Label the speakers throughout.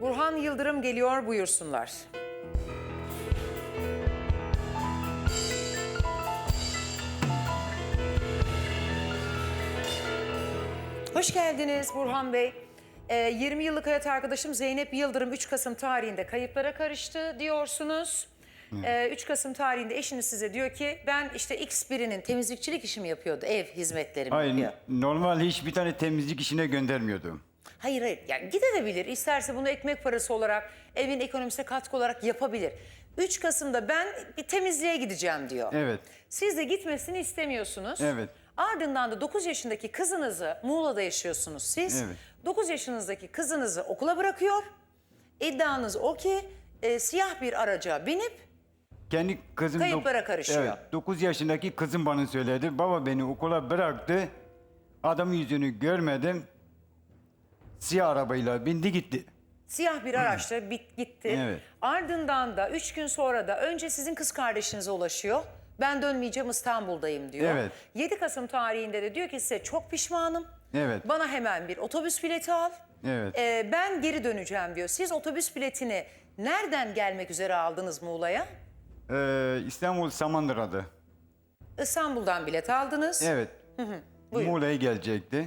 Speaker 1: Burhan Yıldırım geliyor, buyursunlar. Hoş geldiniz Burhan Bey. 20 yıllık hayat arkadaşım Zeynep Yıldırım 3 Kasım tarihinde kayıplara karıştı diyorsunuz. 3 Kasım tarihinde eşiniz size diyor ki ben işte X birinin temizlikçilik işimi yapıyordu, ev hizmetlerimi
Speaker 2: Hayır,
Speaker 1: yapıyor.
Speaker 2: normal hiçbir tane temizlik işine göndermiyordum.
Speaker 1: Hayır, yani gidebilir. İsterse bunu ekmek parası olarak, evin ekonomisine katkı olarak yapabilir. 3 Kasım'da ben bir temizliğe gideceğim diyor.
Speaker 2: Evet.
Speaker 1: Siz de gitmesini istemiyorsunuz.
Speaker 2: Evet.
Speaker 1: Ardından da 9 yaşındaki kızınızı, Muğla'da yaşıyorsunuz siz.
Speaker 2: Evet.
Speaker 1: 9 yaşınızdaki kızınızı okula bırakıyor. İddianız o ki siyah bir araca binip
Speaker 2: Kendi kızım...
Speaker 1: Kayıplara karışıyor.
Speaker 2: Evet, 9 yaşındaki kızım bana söyledi. Baba beni okula bıraktı. Adamın yüzünü görmedim. Siyah arabayla bindi gitti.
Speaker 1: siyah bir araçla gitti.
Speaker 2: Evet.
Speaker 1: Ardından da 3 gün sonra da önce sizin kız kardeşinize ulaşıyor. Ben dönmeyeceğim, İstanbul'dayım diyor.
Speaker 2: Evet.
Speaker 1: 7 Kasım tarihinde de diyor ki size çok pişmanım.
Speaker 2: Evet.
Speaker 1: Bana hemen bir otobüs bileti al.
Speaker 2: Evet.
Speaker 1: Ben geri döneceğim diyor. Siz otobüs biletini nereden gelmek üzere aldınız Muğla'ya?
Speaker 2: İstanbul Samandıra'da.
Speaker 1: İstanbul'dan bilet aldınız.
Speaker 2: Evet.
Speaker 1: Buyurun.
Speaker 2: Muğla'ya gelecekti.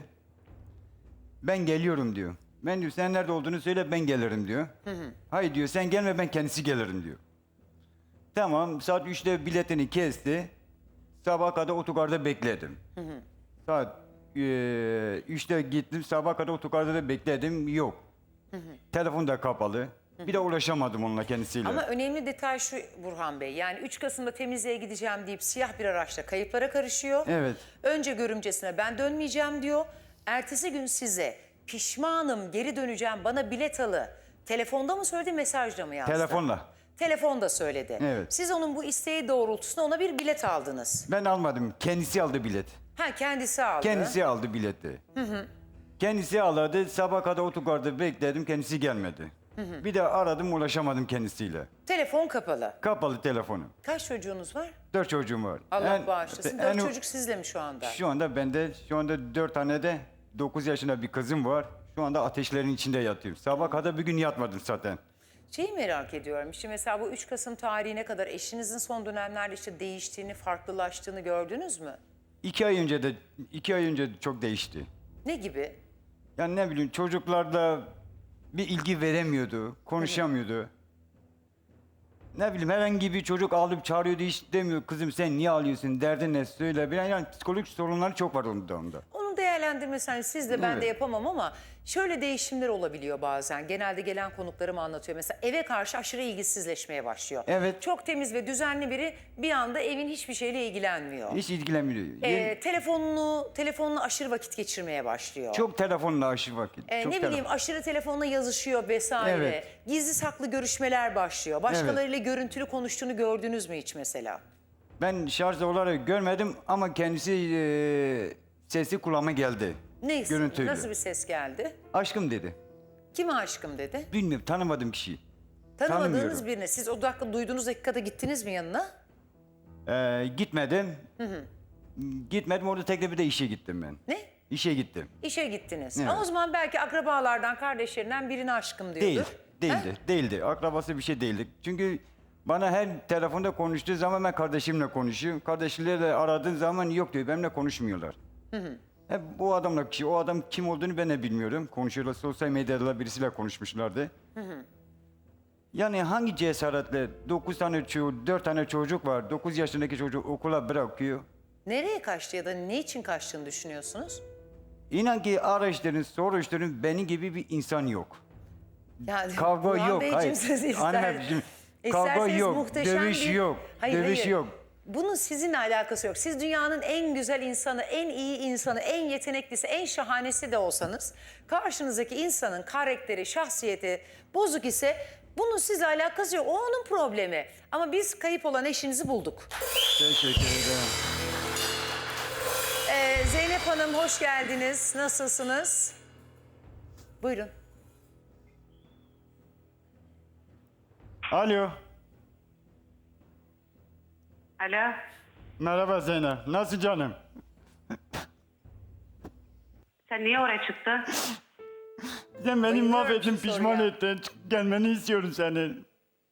Speaker 2: Ben geliyorum diyor. Ben diyor sen nerede olduğunu söyle ben gelirim diyor. Hayır diyor sen gelme ben kendisi gelirim diyor. Tamam saat 3'te biletini kesti. Sabaha kadar otogarda bekledim. Saat 3'te gittim sabaha kadar otogarda da bekledim yok. Telefon da kapalı. Bir de ulaşamadım onunla kendisiyle.
Speaker 1: Ama önemli detay şu Burhan Bey. Yani 3 Kasım'da temizliğe gideceğim deyip siyah bir araçla kayıplara karışıyor.
Speaker 2: Evet.
Speaker 1: Önce görümcesine ben dönmeyeceğim diyor. Ertesi gün size pişmanım geri döneceğim bana bilet alı. Telefonda mı söyledi, mesajla mı yazdı?
Speaker 2: Telefonla.
Speaker 1: Telefonda söyledi.
Speaker 2: Evet.
Speaker 1: Siz onun bu isteği doğrultusunda ona bir bilet aldınız.
Speaker 2: Ben almadım. Kendisi aldı bilet.
Speaker 1: Ha, kendisi aldı.
Speaker 2: Kendisi aldı bileti. Kendisi aldı. Sabah kadar otogarda bekledim. Kendisi gelmedi. Bir de aradım ulaşamadım kendisiyle.
Speaker 1: Telefon kapalı.
Speaker 2: Kapalı telefonu.
Speaker 1: Kaç çocuğunuz var?
Speaker 2: 4 çocuğum var.
Speaker 1: Allah bağışlasın. 4 çocuk sizle mi şu anda?
Speaker 2: Şu anda bende 4 tane de 9 yaşında bir kızım var. Şu anda ateşlerin içinde yatıyorum. Sabah kadar bir gün yatmadım zaten.
Speaker 1: Şeyi merak ediyorum. Şimdi mesela bu 3 Kasım tarihine kadar eşinizin son dönemlerde işte değiştiğini, farklılaştığını gördünüz mü?
Speaker 2: 2 ay önce çok değişti.
Speaker 1: Ne gibi?
Speaker 2: Yani ne bileyim çocuklarla bir ilgi veremiyordu, konuşamıyordu. Ne bileyim herhangi bir çocuk ağlayıp çağırıyordu hiç demiyor. Kızım sen niye ağlıyorsun, derdin ne söyle. Yani psikolojik sorunları çok var onda.
Speaker 1: Onun değerlendirmesi hani siz de ben de
Speaker 2: Evet.
Speaker 1: yapamam ama şöyle değişimler olabiliyor bazen. Genelde gelen konuklarım anlatıyor. Mesela eve karşı aşırı ilgisizleşmeye başlıyor.
Speaker 2: Evet.
Speaker 1: Çok temiz ve düzenli biri bir anda evin hiçbir şeyle ilgilenmiyor.
Speaker 2: Hiç ilgilenmiyor.
Speaker 1: Telefonla aşırı vakit geçirmeye başlıyor.
Speaker 2: Çok telefonla aşırı vakit. Çok
Speaker 1: Ne bileyim aşırı telefonla yazışıyor vesaire.
Speaker 2: Evet.
Speaker 1: Gizli saklı görüşmeler başlıyor. Başkalarıyla görüntülü konuştuğunu gördünüz mü hiç mesela?
Speaker 2: Ben şarj olarak görmedim ama kendisi sesi kulağıma geldi.
Speaker 1: Neyse,
Speaker 2: Görüntülü.
Speaker 1: nasıl bir ses geldi?
Speaker 2: Aşkım dedi.
Speaker 1: Kime aşkım dedi?
Speaker 2: Bilmiyorum tanımadığım kişiyi.
Speaker 1: Tanımadığınız
Speaker 2: Tanımıyorum.
Speaker 1: birine. Siz o dakika duyduğunuz dakikada gittiniz mi yanına?
Speaker 2: Gitmedim. Gitmedim orada tekrar bir de işe gittim ben.
Speaker 1: Ne?
Speaker 2: İşe gittim.
Speaker 1: İşe gittiniz.
Speaker 2: Evet.
Speaker 1: Ama o zaman belki akrabalardan, kardeşlerinden birine aşkım diyordur.
Speaker 2: Değildi. Akrabası bir şey değildi. Çünkü bana her telefonda konuştuğu zaman ben kardeşimle konuşuyorum. Kardeşleriyle aradığım zaman yok diyor. Benimle konuşmuyorlar. Hep bu adamla kişi. O adam kim olduğunu ben de bilmiyorum. Konuşuyorlar. Sosyal medyada birisiyle konuşmuşlardı. Yani hangi cesaretle 4 tane çocuk var. 9 yaşındaki çocuk okula bırakıyor.
Speaker 1: Nereye kaçtı ya da ne için kaçtığını düşünüyorsunuz?
Speaker 2: İnan ki araştırın, soruşturun. Benim gibi bir insan yok.
Speaker 1: Yani
Speaker 2: Kavga
Speaker 1: Burhan
Speaker 2: yok.
Speaker 1: Beyciğim,
Speaker 2: Hayır.
Speaker 1: siz
Speaker 2: Anneciğim, kavga
Speaker 1: isterseniz
Speaker 2: yok.
Speaker 1: muhteşem
Speaker 2: Dövüş
Speaker 1: bir-
Speaker 2: yok. Dövüş yok.
Speaker 1: Bunun sizinle alakası yok. Siz dünyanın en güzel insanı, en iyi insanı, en yeteneklisi, en şahanesi de olsanız karşınızdaki insanın karakteri, şahsiyeti bozuk ise bunun sizle alakası yok. O onun problemi. Ama biz kayıp olan eşinizi bulduk.
Speaker 2: Teşekkür ederim.
Speaker 1: Zeynep Hanım hoş geldiniz. Nasılsınız? Buyurun.
Speaker 2: Alo.
Speaker 3: Alo.
Speaker 2: Merhaba Zeynep. Nasıl canım?
Speaker 3: Sen niye oraya çıktın?
Speaker 2: Sen beni
Speaker 1: Bayılıyorum
Speaker 2: mahvettin,
Speaker 1: şu
Speaker 2: pişman
Speaker 1: soruya.
Speaker 2: ettin. Gelmeni istiyorum senin.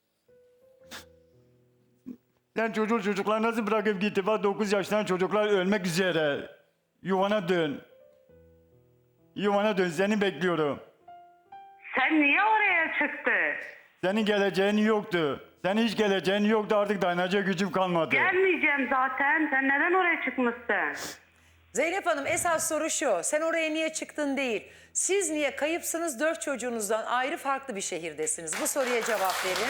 Speaker 2: Sen çocuklar nasıl bırakıp gitti? Bak 9 yaşından çocuklar ölmek üzere. Yuvana dön. Yuvana dön, seni bekliyorum.
Speaker 3: Sen niye oraya çıktın?
Speaker 2: Senin geleceğin yoktu. Senin hiç geleceğin yoktu, artık dayanacak gücüm kalmadı.
Speaker 3: Gelmeyeceğim zaten. Sen neden oraya çıkmışsın?
Speaker 1: Zeynep Hanım esas soru şu. Sen oraya niye çıktın değil. Siz niye kayıpsınız 4 çocuğunuzdan ayrı farklı bir şehirdesiniz? Bu soruya cevap verin.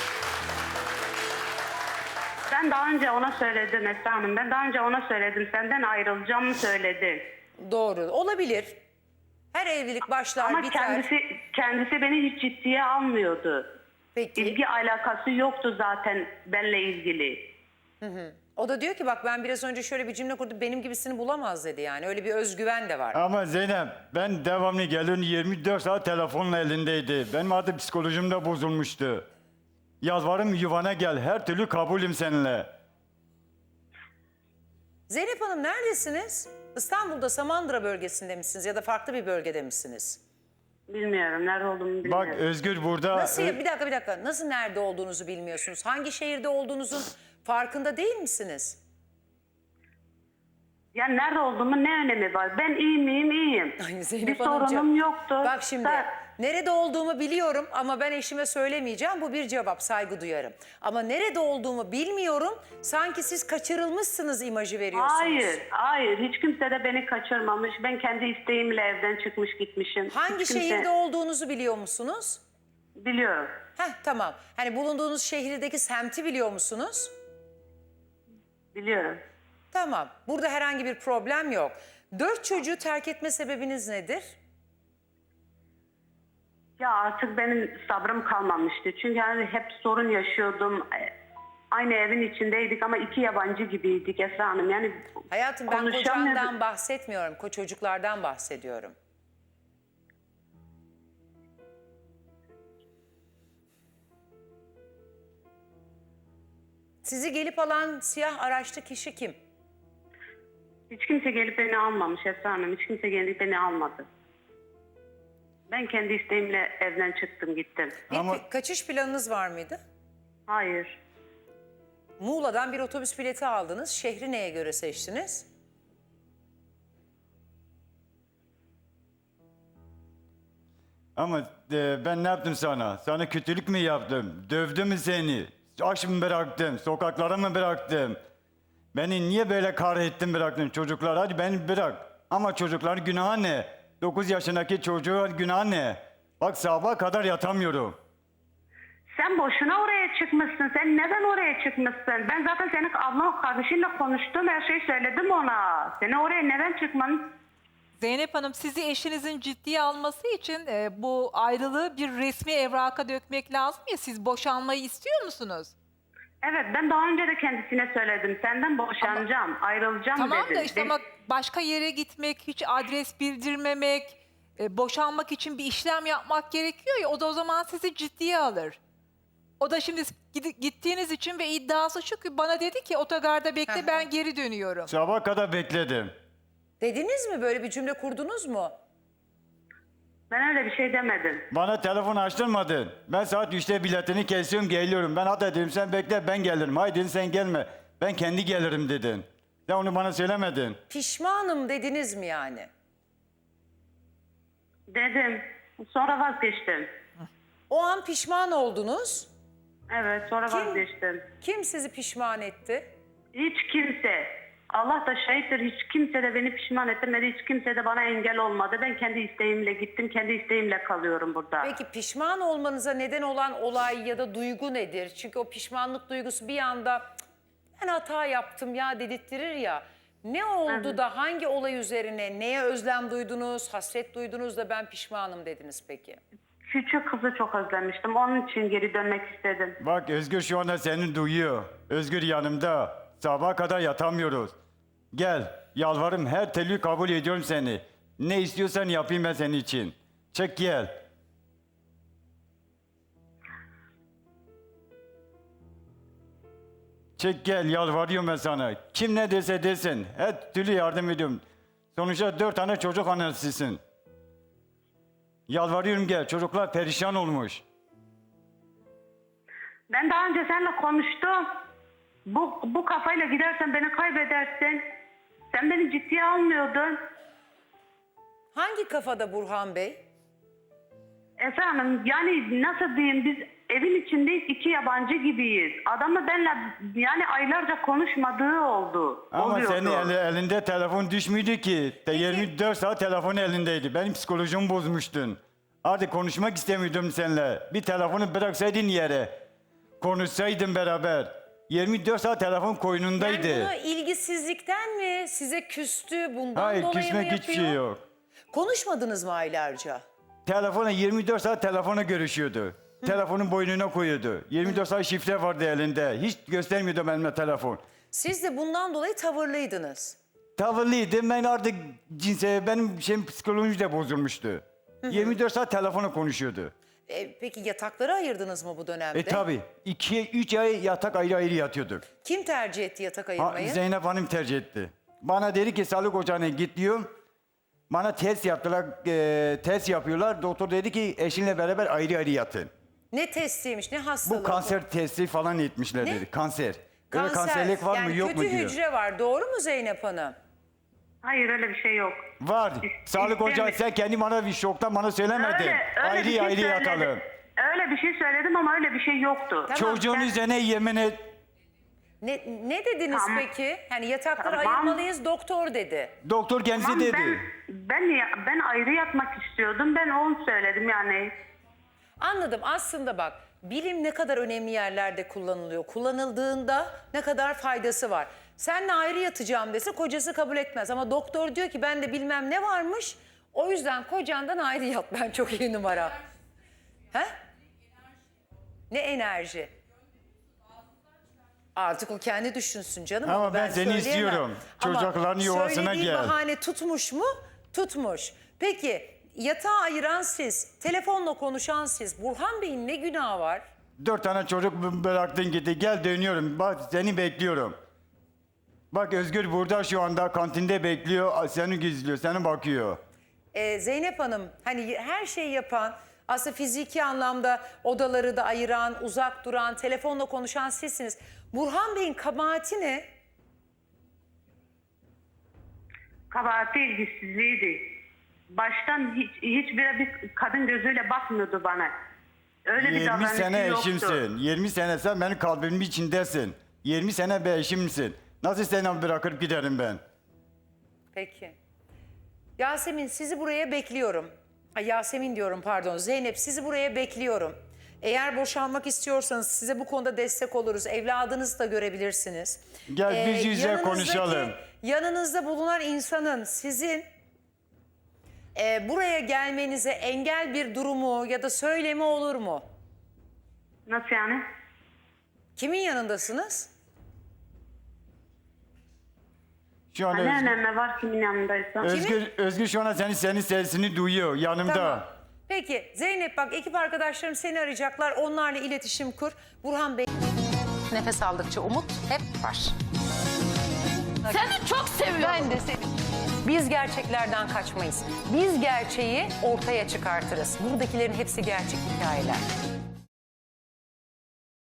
Speaker 3: Ben daha önce ona söyledim Esra Hanım. Ben daha önce ona söyledim. Senden ayrılacağımı söyledim.
Speaker 1: Doğru olabilir. Her evlilik başlar
Speaker 3: Ama
Speaker 1: biter.
Speaker 3: kendisi beni hiç ciddiye almıyordu.
Speaker 1: Peki.
Speaker 3: İlgi alakası yoktu zaten benimle ilgili.
Speaker 1: O da diyor ki bak ben biraz önce şöyle bir cümle kurdum. Benim gibisini bulamaz dedi yani. Öyle bir özgüven de var.
Speaker 2: Ama Zeynep, ben devamlı geliyorum, 24 saat telefonla elindeydi. Benim artık psikolojim de bozulmuştu. Yalvarırım yuvana gel, her türlü kabulüm seninle.
Speaker 1: Zeynep Hanım neredesiniz? İstanbul'da Samandıra bölgesinde misiniz ya da farklı bir bölgede misiniz?
Speaker 3: Bilmiyorum. Nerede olduğumu bilmiyorum.
Speaker 2: Bak Özgür burada...
Speaker 1: Nasıl bir dakika. Nasıl nerede olduğunuzu bilmiyorsunuz? Hangi şehirde olduğunuzun farkında değil misiniz?
Speaker 3: Yani nerede olduğumun ne önemi var? Ben iyi miyim? İyiyim.
Speaker 1: Ay
Speaker 3: Bir
Speaker 1: Zeynep
Speaker 3: sorunum
Speaker 1: Hanımcığım,
Speaker 3: yoktu.
Speaker 1: Bak şimdi nerede olduğumu biliyorum ama ben eşime söylemeyeceğim. Bu bir cevap, saygı duyarım. Ama nerede olduğumu bilmiyorum. Sanki siz kaçırılmışsınız imajı veriyorsunuz.
Speaker 3: Hayır. Hiç kimse de beni kaçırmamış. Ben kendi isteğimle evden çıkmış gitmişim.
Speaker 1: Hangi
Speaker 3: Hiç kimse-
Speaker 1: şehirde olduğunuzu biliyor musunuz?
Speaker 3: Biliyorum.
Speaker 1: Tamam. Hani bulunduğunuz şehirdeki semti biliyor musunuz?
Speaker 3: Biliyorum.
Speaker 1: Tamam. Burada herhangi bir problem yok. 4 çocuğu terk etme sebebiniz nedir?
Speaker 3: Ya artık benim sabrım kalmamıştı. Çünkü yani hep sorun yaşıyordum. Aynı evin içindeydik ama iki yabancı gibiydik Esra Hanım. Yani
Speaker 1: Hayatım ben
Speaker 3: konuşamıyorduk.
Speaker 1: kocandan bahsetmiyorum. Çocuklardan bahsediyorum. Sizi gelip alan siyah araçlı kişi kim?
Speaker 3: Hiç kimse gelip beni almamış Esra Hanım. Hiç kimse gelip beni almadı. Ben kendi isteğimle evden çıktım gittim.
Speaker 1: Bir
Speaker 2: Ama-
Speaker 1: kaçış planınız var mıydı?
Speaker 3: Hayır.
Speaker 1: Muğla'dan bir otobüs bileti aldınız. Şehri neye göre seçtiniz?
Speaker 2: Ama ben ne yaptım sana? Sana kötülük mü yaptım? Dövdüm mü seni? Aç mı bıraktım? Sokaklara mı bıraktım? Beni niye böyle kahrettin bıraktın çocuklar? Hadi beni bırak. Ama çocukların günahı ne? 9 yaşındaki çocuğun günahı ne? Bak sabaha kadar yatamıyorum.
Speaker 3: Sen boşuna oraya çıkmışsın. Sen neden oraya çıkmışsın? Ben zaten senin ablan kardeşinle konuştum. Her şeyi söyledim ona. Seni oraya neden çıkman?
Speaker 4: Zeynep Hanım sizi eşinizin ciddiye alması için bu ayrılığı bir resmi evraka dökmek lazım ya, siz boşanmayı istiyor musunuz?
Speaker 3: Evet, ben daha önce de kendisine söyledim. Senden boşanacağım, ayrılacağım
Speaker 4: Tamam
Speaker 3: dedim.
Speaker 4: da işte ama başka yere gitmek, hiç adres bildirmemek, boşanmak için bir işlem yapmak gerekiyor ya, o da o zaman sizi ciddiye alır. O da şimdi gittiğiniz için ve iddiası şu ki bana dedi ki otogarda bekle, ben geri dönüyorum.
Speaker 2: Sabaha kadar bekledim.
Speaker 1: Dediniz mi? Böyle bir cümle kurdunuz mu?
Speaker 3: Ben öyle bir şey demedim.
Speaker 2: Bana telefon açtırmadın. Ben saat 3'te biletini kesiyorum, geliyorum. Ben hatta dedim sen bekle, ben gelirim. Hayır dedin, sen gelme. Ben kendi gelirim dedin. Sen onu bana söylemedin.
Speaker 1: Pişmanım dediniz mi yani?
Speaker 3: Dedim. Sonra vazgeçtim.
Speaker 1: O an pişman oldunuz.
Speaker 3: Evet, sonra
Speaker 1: Kim?
Speaker 3: vazgeçtim.
Speaker 1: Kim sizi pişman etti?
Speaker 3: Hiç kimse, Allah da şahittir, hiç kimse de beni pişman etmedi. Hiç kimse de bana engel olmadı. Ben kendi isteğimle gittim, kendi isteğimle kalıyorum burada.
Speaker 1: Peki pişman olmanıza neden olan olay ya da duygu nedir? Çünkü o pişmanlık duygusu bir anda "Cık, ben hata yaptım ya" dedirttirir ya. Ne oldu da hangi olay üzerine neye özlem duydunuz, hasret duydunuz da ben pişmanım dediniz peki?
Speaker 3: Küçük kızı çok özlemiştim. Onun için geri dönmek istedim.
Speaker 2: Bak Özgür şu anda seni duyuyor. Özgür yanımda. Sabaha kadar yatamıyoruz. Gel, yalvarırım, her türlü kabul ediyorum seni. Ne istiyorsan yapayım ben senin için. Çek gel. Çek gel, yalvarıyorum ben sana. Kim ne derse desin, her türlü yardım ediyorum. Sonuçta 4 tane çocuk annesisin. Yalvarıyorum gel. Çocuklar perişan olmuş.
Speaker 3: Ben daha önce seninle konuştum. Bu kafayla gidersen beni kaybedersin. Sen beni ciddiye almıyordun.
Speaker 1: Hangi kafada Burhan Bey?
Speaker 3: Esra Hanım yani nasıl diyeyim, biz evin içindeyiz, iki yabancı gibiyiz. Adamla benimle yani aylarca konuşmadığı oldu.
Speaker 2: Ama
Speaker 3: oluyordu.
Speaker 2: senin elinde telefon düşmüydü ki. 24 saat telefon elindeydi. Benim psikolojimi bozmuştun. Artık konuşmak istemiyordum seninle. Bir telefonu bıraksaydın yere. Konuşsaydın beraber. 24 saat telefon koynundaydı.
Speaker 1: Yani bunu ilgisizlikten mi? Size küstü? Bundan
Speaker 2: Hayır,
Speaker 1: dolayı mı
Speaker 2: küsmek
Speaker 1: yapıyor?
Speaker 2: hiçbir şey yok.
Speaker 1: Konuşmadınız mı aylarca?
Speaker 2: Telefona 24 saat telefona görüşüyordu. Telefonun boynuna koyuyordu. 24 saat şifre vardı elinde. Hiç göstermiyordu benimle telefon.
Speaker 1: Siz de bundan dolayı tavırlıydınız.
Speaker 2: Tavırlıydım. Ben artık benim psikolojim de bozulmuştu. 24 saat telefona konuşuyordu.
Speaker 1: Peki yatakları ayırdınız mı bu dönemde?
Speaker 2: Tabii. 2-3 ay yatak ayrı ayrı yatıyorduk.
Speaker 1: Kim tercih etti yatak ayırmayı?
Speaker 2: Zeynep Hanım tercih etti. Bana dedi ki sağlık ocağına git diyor. Bana test yaptılar. Test yapıyorlar. Doktor dedi ki eşinle beraber ayrı ayrı yatın.
Speaker 1: Ne testiymiş, ne hastalığı?
Speaker 2: Bu kanser testi falan etmişler
Speaker 1: Ne?
Speaker 2: dedi. Kanser. Öyle
Speaker 1: Kanser.
Speaker 2: kanserlik var
Speaker 1: yani
Speaker 2: mı yok mu
Speaker 1: kötü
Speaker 2: diyor.
Speaker 1: hücre var. Doğru mu Zeynep Hanım?
Speaker 3: Hayır öyle bir şey yok.
Speaker 2: Var. Sağlık ocağı
Speaker 3: İstemiyorum.
Speaker 2: sen kendi bana bir şoktan bana söylemedin. Ayrı
Speaker 3: bir şey
Speaker 2: ayrı
Speaker 3: söyledim.
Speaker 2: yatalım.
Speaker 3: Öyle bir şey söyledim ama öyle bir şey yoktu.
Speaker 1: Tamam,
Speaker 2: Çocuğun
Speaker 3: sen-
Speaker 2: üzerine yemin et.
Speaker 1: Ne dediniz
Speaker 3: Tamam.
Speaker 1: peki? Yani yatakları
Speaker 3: Tamam.
Speaker 1: ayırmalıyız doktor dedi.
Speaker 2: Doktor kendisi
Speaker 3: Tamam,
Speaker 2: dedi.
Speaker 3: ben ayrı yatmak istiyordum. Ben onu söyledim yani.
Speaker 1: Anladım. Aslında bak bilim ne kadar önemli yerlerde kullanılıyor. Kullanıldığında ne kadar faydası var. Seninle ayrı yatacağım dese kocası kabul etmez. Ama doktor diyor ki bende bilmem ne varmış. O yüzden kocandan ayrı yat. Ben çok iyi numara. He? Ne enerji? Artık o kendi düşünsün canım.
Speaker 2: Ama
Speaker 1: onu
Speaker 2: ben seni
Speaker 1: söyleyemem.
Speaker 2: istiyorum.
Speaker 1: Ama
Speaker 2: Çocukların yuvasına
Speaker 1: söylediği
Speaker 2: gel.
Speaker 1: bahane tutmuş mu? Tutmuş. Peki yatağı ayıran siz, telefonla konuşan siz. Burhan Bey'in ne günahı var?
Speaker 2: 4 tane çocuk bıraktın gitti. Gel dönüyorum. Bak seni bekliyorum. Bak Özgür burada şu anda kantinde bekliyor. Seni gizliyor. Seni bakıyor.
Speaker 1: Zeynep Hanım hani her şeyi yapan, aslında fiziki anlamda odaları da ayıran, uzak duran, telefonla konuşan sizsiniz. Burhan Bey'in kabahati ne?
Speaker 3: Kabahati ilgisizliğiydi. Baştan bir kadın gözüyle bakmıyordu bana. Öyle bir
Speaker 2: 20
Speaker 3: davranışı
Speaker 2: sene
Speaker 3: yoktu.
Speaker 2: eşimsin. 20 sene sen benim kalbimin içindesin. 20 sene bir eşimsin. Nasıl seni bırakıp giderim ben?
Speaker 1: Peki. Yasemin sizi buraya bekliyorum. Ay, Yasemin diyorum pardon. Zeynep sizi buraya bekliyorum. Eğer boşanmak istiyorsanız size bu konuda destek oluruz. Evladınızı da görebilirsiniz.
Speaker 2: Gel biz yüz yüze
Speaker 1: yanınızdaki-
Speaker 2: konuşalım.
Speaker 1: Yanınızda bulunan insanın sizin buraya gelmenize engel bir durumu ya da söylemi olur mu?
Speaker 3: Nasıl yani?
Speaker 2: Kimin
Speaker 1: yanındasınız?
Speaker 2: Şu an
Speaker 3: Ne
Speaker 2: Özgür,
Speaker 3: önemi var kimin yanındaysa?
Speaker 2: Özgür şu an senin sesini duyuyor yanımda.
Speaker 1: Tamam. Peki Zeynep bak ekip arkadaşlarım seni arayacaklar. Onlarla iletişim kur. Burhan Bey. Nefes aldıkça umut hep var.
Speaker 5: Seni çok seviyorum.
Speaker 1: Ben de seni. Biz gerçeklerden kaçmayız. Biz gerçeği ortaya çıkartırız. Buradakilerin hepsi gerçek hikayeler.